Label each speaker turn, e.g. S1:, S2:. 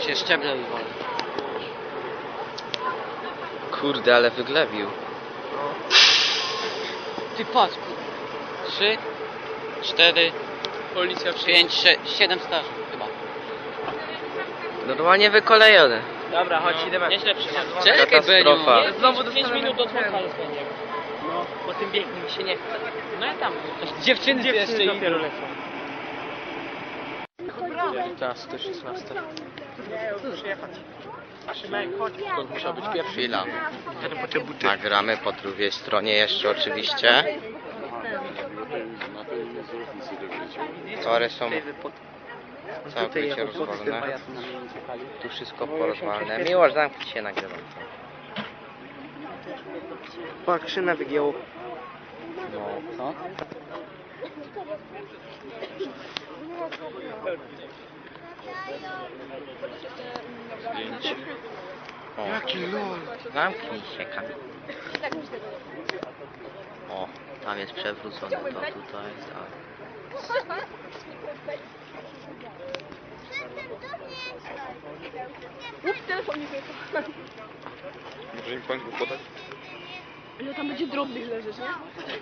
S1: Tu się szczeble wywolą.
S2: Kurde, ale wyglebił.
S1: Ty patrz, 3, 4,
S3: Policja
S1: 5, 6, 7 straży chyba.
S2: Normalnie wykolejone.
S3: Dobra, chodź, idziemy.
S4: Nieźle przyjechał.
S1: Czekaj,
S2: Katastrofa.
S1: Beniu.
S3: Znowu
S4: 5
S3: dostanemy
S4: minut od
S3: ten.
S4: Wąchalu będzie. No, po tym biegnie mi się nie chce. No ja tam.
S1: Dziewczyny tu jeszcze
S4: Dziewczyny
S1: idą.
S4: dopiero lecą.
S3: 15, 16. Przyjechać. Szymek, chodź.
S2: To musiał być pierwszy. Chwila.
S3: Jadę po te buty.
S2: Nagramy po drugiej stronie jeszcze oczywiście. Tory są całkowicie rozwalone. Tu wszystko porozwalone. Miłość, zamknij się, nagrywam.
S3: Pak, szynę wygięło.
S2: No.
S1: Co?
S2: O,
S3: Jaki lol.
S2: zamknij się, Kamil. O, tam jest przewrócone to tutaj, tak.
S5: Ups, telefon mi wyjechał.
S3: Może im pan go podać?
S5: Ile tam będzie drobnych leżeć, nie?